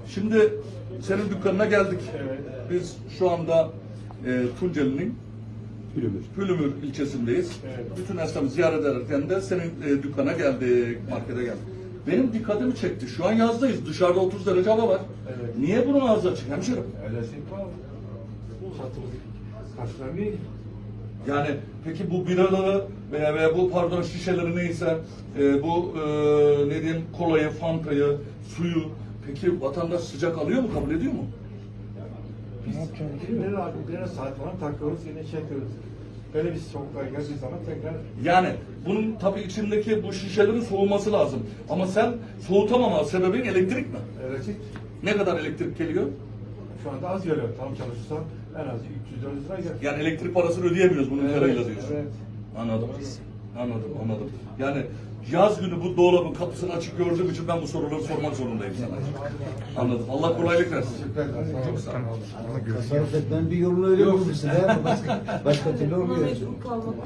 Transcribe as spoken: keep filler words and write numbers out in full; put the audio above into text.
Şimdi senin dükkanına geldik. Evet. Biz şu anda e, Tunceli'nin Pülümür. Pülümür ilçesindeyiz. Evet. Bütün esnafı ziyaret ederken de senin e, dükkana geldik, markete geldik. Benim dikkatimi çekti. Şu an yazdayız. Dışarıda otuz derece hava var. Evet. Niye bunun ağzı açık hemşerim? Öylesi var. Satılık karşılamıyor. Yani peki bu biraları veya, veya bu pardon şişeleri neyse e, bu e, ne diyeyim kolayı, fantayı, suyu peki vatandaş sıcak alıyor mu, kabul ediyor mu? Biz birbirine abi birbirine saat falan takıyoruz, yine çekiyoruz. Böyle bir soğuklar geldiği zaman tekrar Yani bunun tabii içindeki bu şişelerin soğuması lazım. Ama sen soğutamama sebebin elektrik mi? elektrik Ne kadar elektrik geliyor? şu anda az geliyor. Tam çalışırsa en az üç yüz dört yüz lira gelir. Yani elektrik parasını ödeyemiyoruz bunun Evet, parayla diyorsun. evet. Anladım. Anladım, anladım. Yani yaz günü bu dolabın kapısını açık gördüğüm için ben bu soruları sormak zorundayım sana. Anladım. Allah kolaylık versin. Çok sağ ol. Tasarruf etmenin bir yolunu öyle bulmuşsun. Başka, başka türlü olmuyor.